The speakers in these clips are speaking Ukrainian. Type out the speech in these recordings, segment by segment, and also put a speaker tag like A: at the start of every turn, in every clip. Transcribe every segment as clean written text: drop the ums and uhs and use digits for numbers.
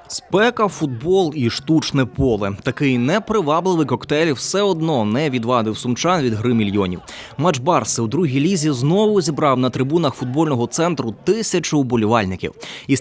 A: Спека, футбол і штучне поле. Такий непривабливий коктейль все одно не відвадив сумчан від гри мільйонів. Матч Барси у другій лізі знову зібрав на трибунах футбольного центру 1000 уболівальників. Із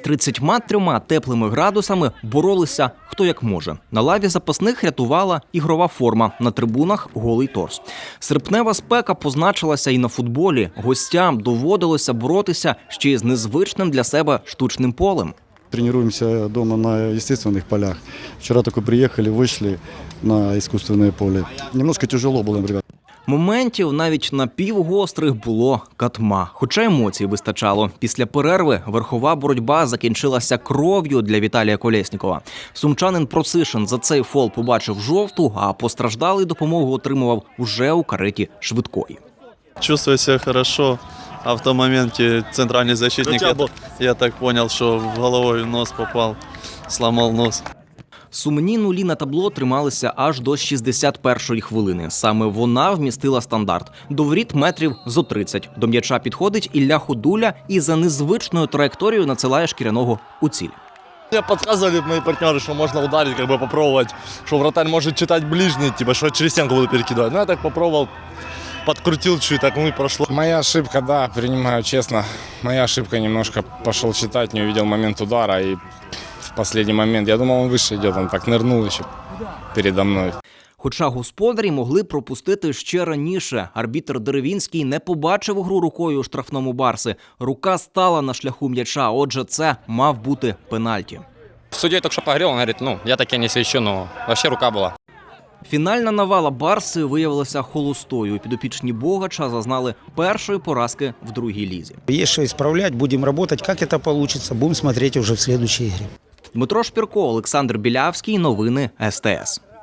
A: 33 теплими градусами боролися хто як може. На лаві запасних рятувала ігрова форма, на трибунах – голий торс. Серпнева спека позначилася і на футболі. Гостям доводилося боротися ще й з незвичним для себе штучним полем.
B: Тренируемся дома на естественных полях. Вчера только приехали, вышли на искусственное поле. Немножко тяжело было, ребят.
A: Моментів навіть напівгострих було катма. Хоча емоцій вистачало. Після перерви верхова боротьба закінчилася кров'ю для Віталія Колєснікова. Сумчанин Просишин за цей фол побачив жовту, а постраждалий допомогу отримував уже у кареті швидкої.
C: Чувствую себя хорошо. А в том моменте центральный защитник, я так понял, что в головой в нос попал, сломал нос.
A: Сумні нулі на табло трималися аж до 61-ї хвилини. Саме вона вмістила стандарт. До воріт метрів зо 30. До м'яча підходить Ілля Ходуля і за незвичною траєкторією надсилає Шкіряного у ціль.
D: Мне подсказывали мои партнеры, что можно ударить, попробовать, что вратарь может читать ближний, что через стенку буду перекидывать. Я так попробовал, подкрутил чуть, так и прошло.
E: Моя ошибка, да, принимаю честно. Моя ошибка, немножко пошел читать, не увидел момент удара. И в последний момент, я думал, он выше идет, он так нырнул еще передо мной.
A: Хоча господарі могли пропустити ще раніше. Арбітр Деревінський не побачив гру рукою у штрафному Барси. Рука стала на шляху м'яча, отже, це мав бути пенальті.
F: Судья только что поговорил, он говорит, я таки не свечу, но вообще рука была.
A: Фінальна навала Барси виявилася холостою. Підопічні Богача зазнали першої поразки в другій лізі.
G: Есть что исправлять, будем работать. Как это получится, будем смотреть уже в следующей игре.
A: Дмитро Шпірко, Олександр Білявський. Новини СТС.